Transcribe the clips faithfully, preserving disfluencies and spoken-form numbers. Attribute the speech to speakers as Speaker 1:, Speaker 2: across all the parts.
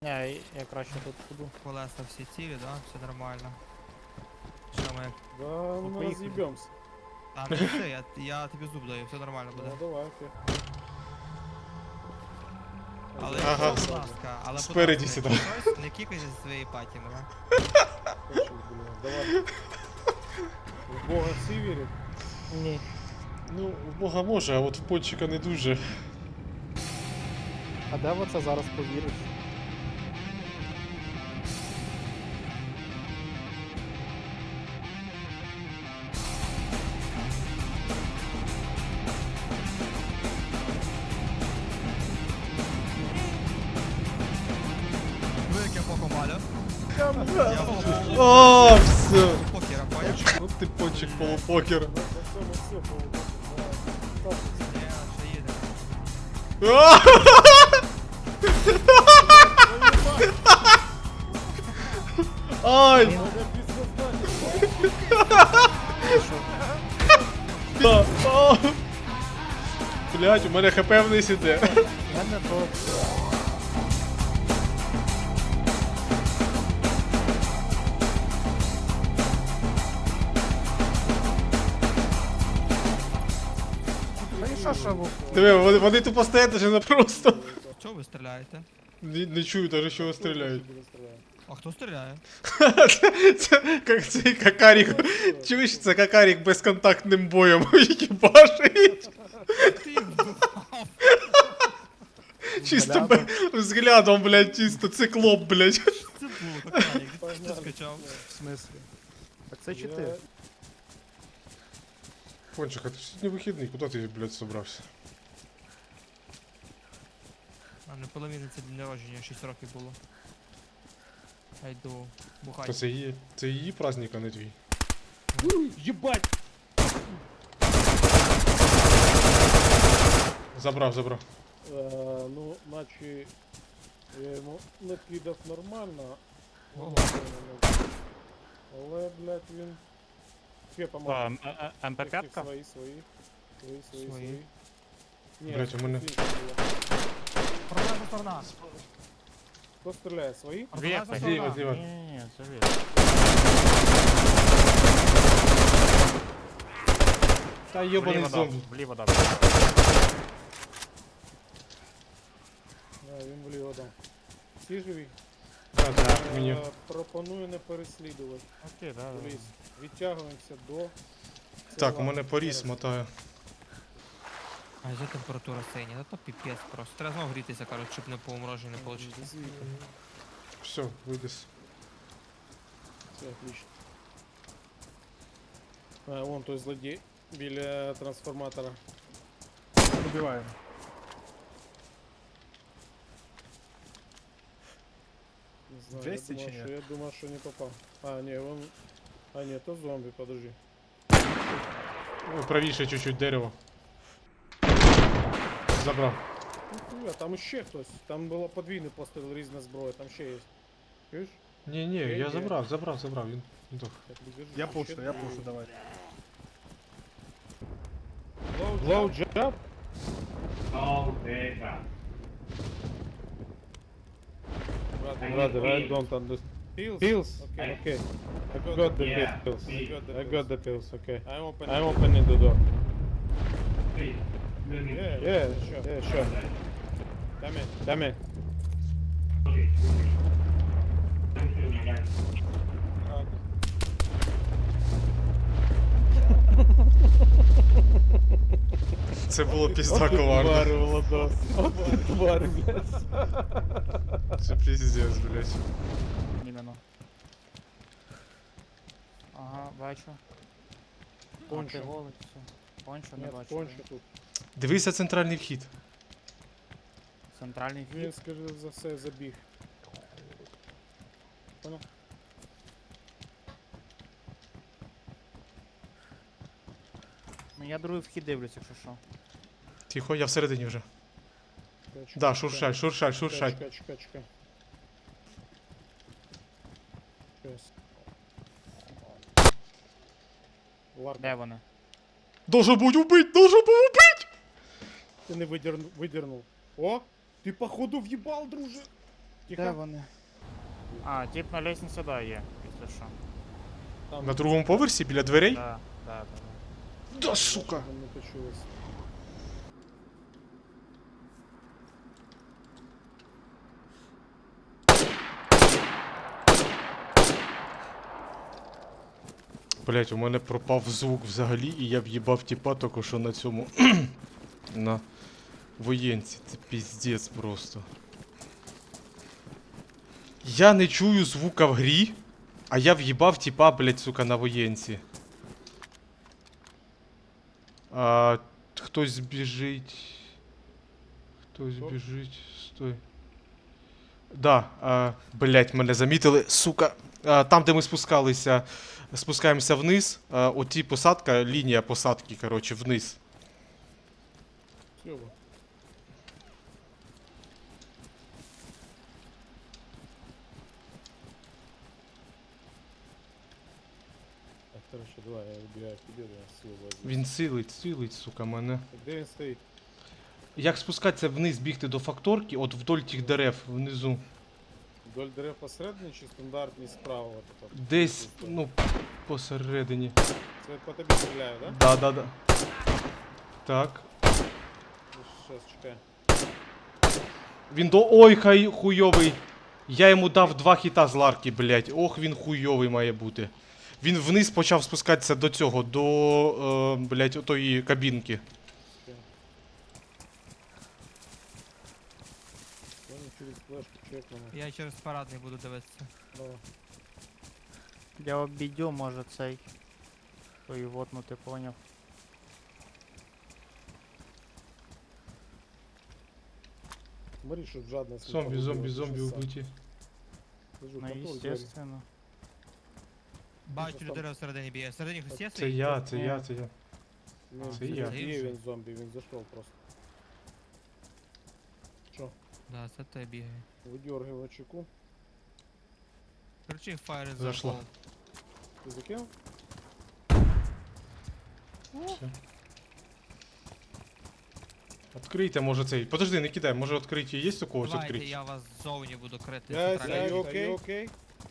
Speaker 1: Не, я краще тут буду.
Speaker 2: Колеса всі цілі, да? Все нормально. Що ми?
Speaker 3: Да, мы
Speaker 1: поехали.
Speaker 3: разъебемся.
Speaker 2: А, ну все, я, я тобі зуб даю, все нормально буде.
Speaker 3: Ну давай, окей.
Speaker 2: Але,
Speaker 4: Ага.
Speaker 2: будь ласка, але будь
Speaker 4: Спереді
Speaker 2: ласка,
Speaker 4: сідай.
Speaker 2: щось не кікайте зі своєї паті мене.
Speaker 3: Хочешь, блин, давай. В Бога все верит?
Speaker 1: Ні.
Speaker 4: Ну, в Бога може, а от в пончика не дуже.
Speaker 1: А де в це зараз повіриш?
Speaker 2: Ви як я покомалю? Я покомалю.
Speaker 4: О, все.
Speaker 2: Покера, поняв?
Speaker 4: Ну ти пончик полупокер.
Speaker 3: На всем и все, по
Speaker 2: Ні, ще їде.
Speaker 4: Ай! Да. А. Блять, у мене хп вниз іде.
Speaker 1: Я не то. Ну і що, що ви?
Speaker 4: Диви, вони, вони тупо стоять даже на просто.
Speaker 2: Чого ви стріляєте?
Speaker 4: Не, не чую даже, що вони стріляють.
Speaker 2: А хто стріляє?
Speaker 4: Це, це як цей какарік. Чуєш, це какарік безконтактним боєм їбашить.
Speaker 2: Ти їх вбивав.
Speaker 4: Чисто бе- взглядом, блядь, чисто циклоп, блядь.
Speaker 2: Це було, коканик, де ти скачав?
Speaker 1: В смислі? Так це чи ти?
Speaker 4: Пончик, а ти сьогодні вихідний, куди ти, блядь, собрався?
Speaker 2: А не половина це день народження, шість років було. Я йду
Speaker 4: То
Speaker 2: бухати.
Speaker 4: це її, це її праздник, а не твій.
Speaker 3: Ебать!
Speaker 4: Забрав, забрав.
Speaker 3: Е, ну, наче я йому накидав нормально,
Speaker 2: Ого.
Speaker 3: але, блядь, він... Ще
Speaker 1: А,
Speaker 3: поможе.
Speaker 1: м- е- е- ем пе п'ять?
Speaker 3: Свої, свої. Свої, свої,
Speaker 2: Свої.
Speaker 3: свої. Ні,
Speaker 4: Блядь, у мене-
Speaker 3: свої було.
Speaker 2: Провальна сторона.
Speaker 3: Хто стріляє? Свої?
Speaker 2: Провальна
Speaker 1: Зліва,
Speaker 2: сторона.
Speaker 4: зліва.
Speaker 1: Ні, ні, ні, це він.
Speaker 4: Та йобаний
Speaker 1: Вліво дав,
Speaker 4: зомбі.
Speaker 1: вліво дав.
Speaker 3: Да, він вліво дав. Всі живі?
Speaker 4: Так, так, мені.
Speaker 3: Е, пропоную не переслідувати.
Speaker 1: Окей, да, да.
Speaker 3: Ліс. Відтягуємося до...
Speaker 4: Так, у
Speaker 3: села.
Speaker 4: мене поріс мотає.
Speaker 2: А яка температура синя? Ну то піпець просто. Треба знову грітися, коротше, щоб не по умороженню не вийшло.
Speaker 3: Звідти.
Speaker 4: Все, виліз.
Speaker 3: Все, отлично. А, вон той злодій біля трансформатора.
Speaker 1: Убиваємо.
Speaker 3: Не знаю,
Speaker 1: двісті
Speaker 3: я думав,
Speaker 1: чи ні?
Speaker 3: що, я думав, що не попав. А, ні, вон... А, ні, то зомбі, подожди.
Speaker 4: Ой, правіше чуть-чуть дерево. Забрав.
Speaker 3: А там ще хтось. Там було подвійний постріл, різна зброя, там ще є. Чуєш?
Speaker 4: Ні, ні,
Speaker 3: Є,
Speaker 4: я
Speaker 3: є.
Speaker 4: забрав, забрав, забрав. Він здох.
Speaker 3: Так, держи,
Speaker 1: Я
Speaker 3: ще
Speaker 1: пушу, я
Speaker 3: двоє.
Speaker 1: пушу, давай.
Speaker 3: Low jump? Brother, I don't understand. Pills? Pills? Okay, okay. I got the pills. I got the pills, okay. I'm opening, I'm opening the door. Yeah, yeah, sure. Yeah, sure. Come in, come in.
Speaker 4: Це було пізда
Speaker 3: Тварь,
Speaker 4: коварно.
Speaker 3: Владос. От ти тварь, блядь.
Speaker 4: Це піздець, блядь.
Speaker 1: Іменно. Ага, бачу.
Speaker 3: Пончо.
Speaker 1: А, ти голий, все. Пончо не
Speaker 3: Нет,
Speaker 1: бачу.
Speaker 3: конче тут.
Speaker 4: Дивися центральний вхід.
Speaker 1: Центральний
Speaker 3: Він,
Speaker 1: вхід.
Speaker 3: скоріше за все, забіг. Понял?
Speaker 1: Ну я другий вхід дивлюсь, якщо що.
Speaker 4: Тихо, я всередині вже.
Speaker 3: Чекай, чекай,
Speaker 4: Да,
Speaker 3: чекай.
Speaker 4: шуршать, шуршать, шуршать.
Speaker 3: Чекай, чекай, чекай. Щас. Ларка,
Speaker 1: Де вони?
Speaker 4: Должен будь убить, должен був убить!
Speaker 3: ти не видернув, видернув. О, ти походу в'їбал, друже.
Speaker 1: Де
Speaker 3: Тихо.
Speaker 1: вони? А, тип на лестниці, да, є, якщо що.
Speaker 3: Там.
Speaker 4: На другому поверсі біля дверей?
Speaker 1: Да, да, да. да.
Speaker 4: Да, сука!
Speaker 3: Щоб не почулось.
Speaker 4: Блять, у мене пропав звук взагалі, і я в'їбав тіпа тільки що на цьому. На воєнці. Це піздець просто. Я не чую звука в грі, а я в'їбав тіпа, блять, сука, на воєнці. А, хтось біжить. Хтось
Speaker 3: Хто?
Speaker 4: біжить. Стой. Да, а, блять, мене замітили, сука. А, там, де ми спускалися, спускаємося вниз. А, оті посадка, лінія посадки, коротше, вниз.
Speaker 3: Сьоба. Так, короче, давай, я вибігаю к тебе, я силу возьму.
Speaker 4: Він силить, силить, сука, мене.
Speaker 3: Так, де він стоїть?
Speaker 4: Як спускатися вниз, бігти до факторки, от вдоль тих дерев внизу.
Speaker 3: Вдоль дерев посередині чи стандартний справа? От это?
Speaker 4: Десь, ну, посередині.
Speaker 3: Це по тобі стріляю, да?
Speaker 4: Да, да, да. Так.
Speaker 3: Сейчас, чекай.
Speaker 4: Він до. Ой, хай хуйовий. Я йому дав два хіта з ларки, блять. Ох, він хуйовий має бути. Він вниз почав спускатися до цього, до, е, блять, отої кабінки.
Speaker 3: Я не через флешку чекнемо.
Speaker 2: Я через парадний буду дивитися.
Speaker 3: Давай.
Speaker 1: Я обійдю, може цей. Той вотнути, поняв.
Speaker 3: Смотри, щоб жадність не
Speaker 4: Зомбі, зомбі,
Speaker 3: погубила,
Speaker 4: зомбі
Speaker 3: ти що сам.
Speaker 4: убиті.
Speaker 3: Кажу,
Speaker 1: Ну,
Speaker 3: контроль, двері.
Speaker 1: естественно.
Speaker 2: Бачу,
Speaker 3: там-
Speaker 2: людина всередині б'є. Всередині хтось є?
Speaker 4: Це
Speaker 2: стоїть?
Speaker 4: я, це
Speaker 1: Ні.
Speaker 4: я, це я.
Speaker 3: Ну,
Speaker 4: Це
Speaker 3: це
Speaker 4: я.
Speaker 3: не є він зомбі, він зайшов просто. Що?
Speaker 2: Да, це те бігає.
Speaker 3: Видергиваю чеку.
Speaker 2: Кричи фаєр із
Speaker 4: Зайшло.
Speaker 2: закол.
Speaker 3: Ти закинув?
Speaker 4: Все. Открийте, може цей. Подожди, не кидай, може відкриті є у когось
Speaker 2: Давайте,
Speaker 4: відкриті?
Speaker 2: я вас ззовні буду крити.
Speaker 3: Guys,
Speaker 2: центральний
Speaker 3: are you
Speaker 2: вхід.
Speaker 3: okay? okay?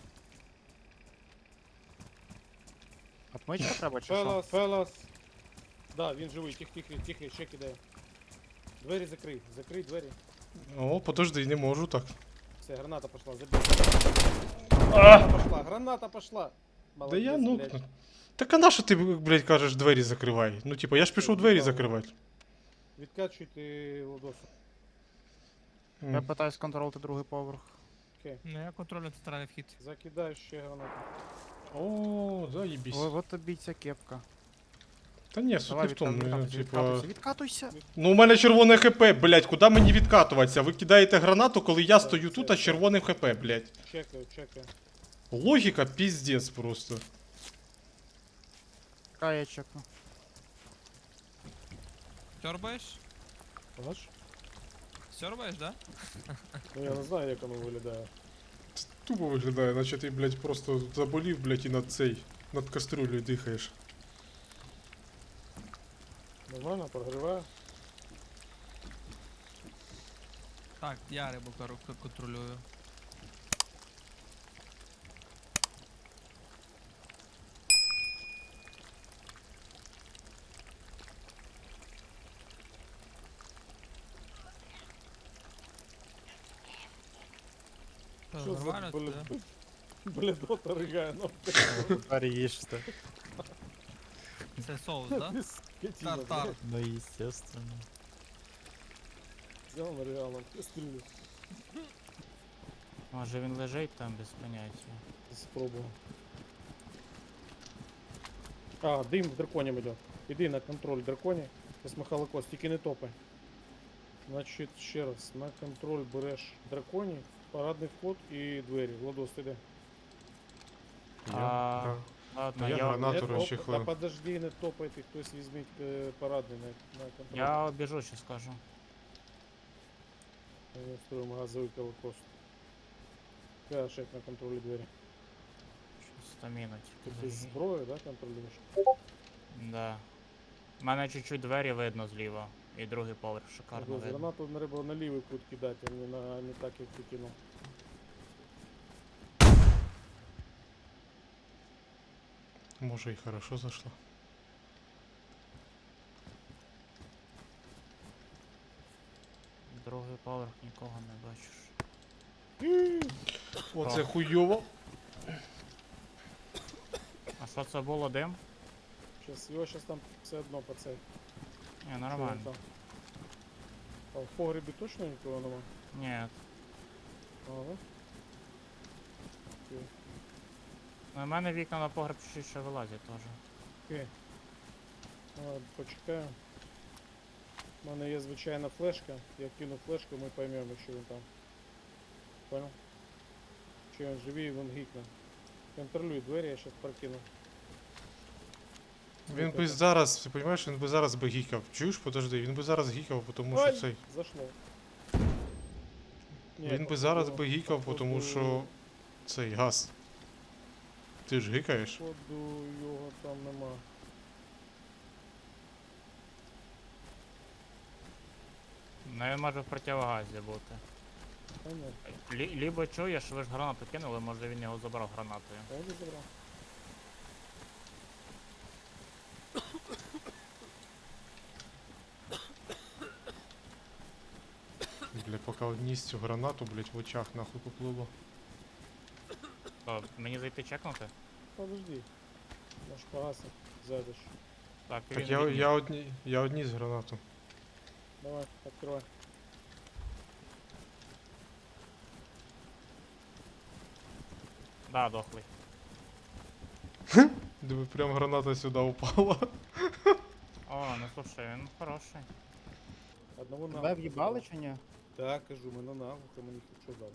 Speaker 1: Отмичка треба чи що?
Speaker 3: Fellas, fellas. Да, він живий, тихо, тихо, тихо, ще кидає. Двері закрий, закрий двері.
Speaker 4: О, подожди, не можу так.
Speaker 3: Все, граната пошла, забей. Граната пошла, граната пошла.
Speaker 4: Да
Speaker 3: Молодець,
Speaker 4: я
Speaker 3: блядь.
Speaker 4: нокну. Так а на що ти, блядь, кажеш, двері закривай? Ну, типа, я ж пішов двері закривати.
Speaker 3: Відкачуйте лодосу.
Speaker 1: Я
Speaker 4: М.
Speaker 1: питаюсь контролити другий поверх.
Speaker 3: Окей.
Speaker 2: Ну я контролю центральний вхід.
Speaker 3: Закидай ще гранату.
Speaker 4: О, заєбісь.
Speaker 1: Ой, от тобі ця кепка.
Speaker 4: Та ні, суть не
Speaker 1: Давай
Speaker 4: в тому,
Speaker 1: відкатуйся,
Speaker 4: ну,
Speaker 1: відкатуйся,
Speaker 4: типа...
Speaker 1: відкатуйся!
Speaker 4: Ну, у мене червоне хп, блядь, куди мені відкатуватися? Ви кидаєте гранату, коли я стою тут, а з червоним хп, блядь.
Speaker 3: Чекаю, чекаю.
Speaker 4: Логіка піздець просто.
Speaker 1: Яка я чекну?
Speaker 2: Сьорбаєш?
Speaker 3: Бач?
Speaker 2: Сьорбаєш, да?
Speaker 3: Ну я не знаю, як воно виглядає.
Speaker 4: Тупо виглядає, наче ти, блядь, просто заболів, блядь, і над цей, над кастрюлею дихаєш.
Speaker 3: Нормально, прогріваю.
Speaker 2: Так, я рибу кору- к- контролюю. Що,
Speaker 3: Що за
Speaker 2: нормально це,
Speaker 3: блед...
Speaker 2: да?
Speaker 3: бледота ригає на
Speaker 1: Тепер їжте.
Speaker 2: Це соус, да? Тартар.
Speaker 1: Ну, естественно.
Speaker 3: Взял на реалом кастрюлю.
Speaker 1: Може він лежить там без поняття.
Speaker 3: Спробую. А, дим в драконем идет. Иди на контроль драконі. Зараз Михайло, тільки не топай. Значить, ще раз, на контроль береш драконі, парадний вход і двері. Владос, ти де?
Speaker 1: А, ладно,
Speaker 4: Я
Speaker 1: я,
Speaker 4: гранату
Speaker 3: Не топ-
Speaker 4: розчехлив.
Speaker 3: Та подожди, не топайте, хтось візьміть е, парадний на, на контроль.
Speaker 1: я обіжу, ще скажу.
Speaker 3: Я строю газовий колокос. Я шеф на контролі двері.
Speaker 1: Щось стаміна
Speaker 3: Ти
Speaker 1: тільки
Speaker 3: без
Speaker 1: зажги.
Speaker 3: зброї, да, контролюєш?
Speaker 1: Да. У мене чуть-чуть двері видно зліва. І другий поверх шикарно
Speaker 3: Ага,
Speaker 1: видно.
Speaker 3: гранату треба на лівий кут кидати, а не, на, не так, як ти кинув.
Speaker 4: Може і хорошо зайшло.
Speaker 1: Другий поверх нікого не бачиш.
Speaker 4: Оце
Speaker 1: О.
Speaker 4: хуйово.
Speaker 1: А що це було, дим?
Speaker 3: Щас, його щас там все одно по цей.
Speaker 1: Ні,
Speaker 3: Що він
Speaker 1: нормально.
Speaker 3: там? А в погребі точно нікого нема?
Speaker 1: Ні.
Speaker 3: Ага. Окей.
Speaker 1: Ну, у мене вікна на погреб чуть ще вилазять теж.
Speaker 3: Окей. Ладно, почекаємо. У мене є звичайна флешка. Я кину флешку, ми поймемо, якщо він там. Понял? Чи він живий, він гікне. Контролюй двері, я щас прокину.
Speaker 4: Він би зараз, ти розумієш, він би зараз би гікав. Чуєш, подожди, він би зараз гікав, тому що
Speaker 3: Ой,
Speaker 4: цей.
Speaker 3: Зашло. Ні,
Speaker 4: Він би
Speaker 3: походу-
Speaker 4: зараз би гікав, тому
Speaker 3: походу-
Speaker 4: що цей газ. Ти ж гикаєш?
Speaker 3: Походу його там нема.
Speaker 1: Ну він може в противогазі бути.
Speaker 3: Та ні,
Speaker 1: Лі- лібо чуєш, ви ж гранату кинули, може він його забрав гранатою.
Speaker 3: я вже забрав.
Speaker 4: Бля, поки одніс цю гранату, блять, в очах нахуй поплило.
Speaker 1: Що, мені зайти чекнути?
Speaker 3: Подожди. Наш погасик зайдеш.
Speaker 1: Так,
Speaker 4: Так
Speaker 1: він
Speaker 4: я,
Speaker 1: він-
Speaker 4: я, одні, я одніс гранату.
Speaker 3: Давай, відкривай.
Speaker 1: Да, дохлий.
Speaker 4: Диви, прям граната сюди упала.
Speaker 1: О, ну слушай, він хороший.
Speaker 3: Одного
Speaker 5: Тебе
Speaker 3: наглухо
Speaker 5: в'їбали
Speaker 3: забрав.
Speaker 5: чи ні?
Speaker 3: Так, кажу, мене наглухо, мені що дали.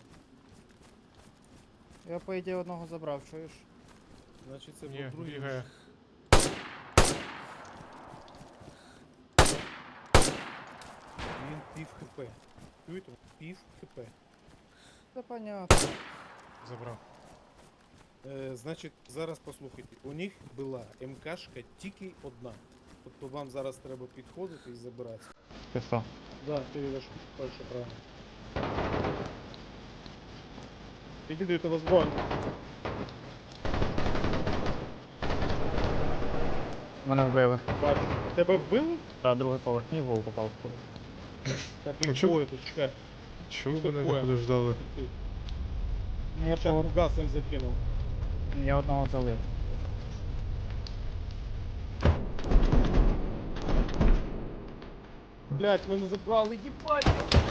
Speaker 5: Я по ідеї одного забрав, чуєш?
Speaker 3: Значить це
Speaker 4: Ні,
Speaker 3: був другий.
Speaker 4: бігає.
Speaker 3: Він пів хп. Чуєте? Пів хп.
Speaker 5: Це понятно.
Speaker 4: Забрав.
Speaker 3: Е, значить, зараз послухайте. У них була МКшка тільки одна. Тобто вам зараз треба підходити і забирати.
Speaker 1: Ти що?
Speaker 3: Да, ти йдеш перше правильно. Підійди до возброю.
Speaker 1: Мене вбили.
Speaker 3: Бачу. Тебе вбили?
Speaker 1: Та другий поверх, мій вол попав.
Speaker 3: Так,
Speaker 4: Ну,
Speaker 3: ну
Speaker 4: чо-
Speaker 3: чого тут, чекай.
Speaker 4: Чого
Speaker 3: Що
Speaker 4: мене
Speaker 3: таке?
Speaker 4: не подождали?
Speaker 1: Я,
Speaker 3: Чак газом закинув.
Speaker 1: я одного залив.
Speaker 3: Блять, мене забрали, їбать!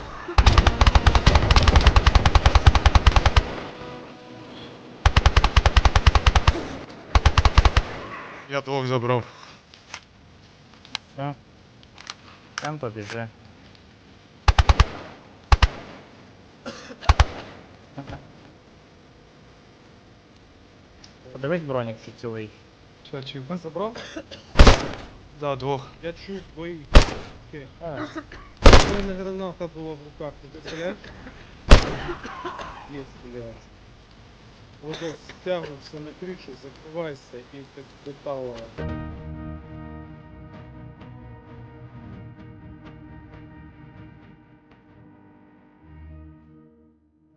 Speaker 4: Я двох забрав.
Speaker 1: Все. Там побіжи. Подивись бронік чи цілий.
Speaker 4: Чачик.
Speaker 3: Забрав?
Speaker 4: Да, двох.
Speaker 3: Я чув бої. Окей.
Speaker 1: А,
Speaker 3: У мене граната була в руках, ти представляєш? Єс, блядь. Водос, стягнувся на кришу, закривайся і так детало.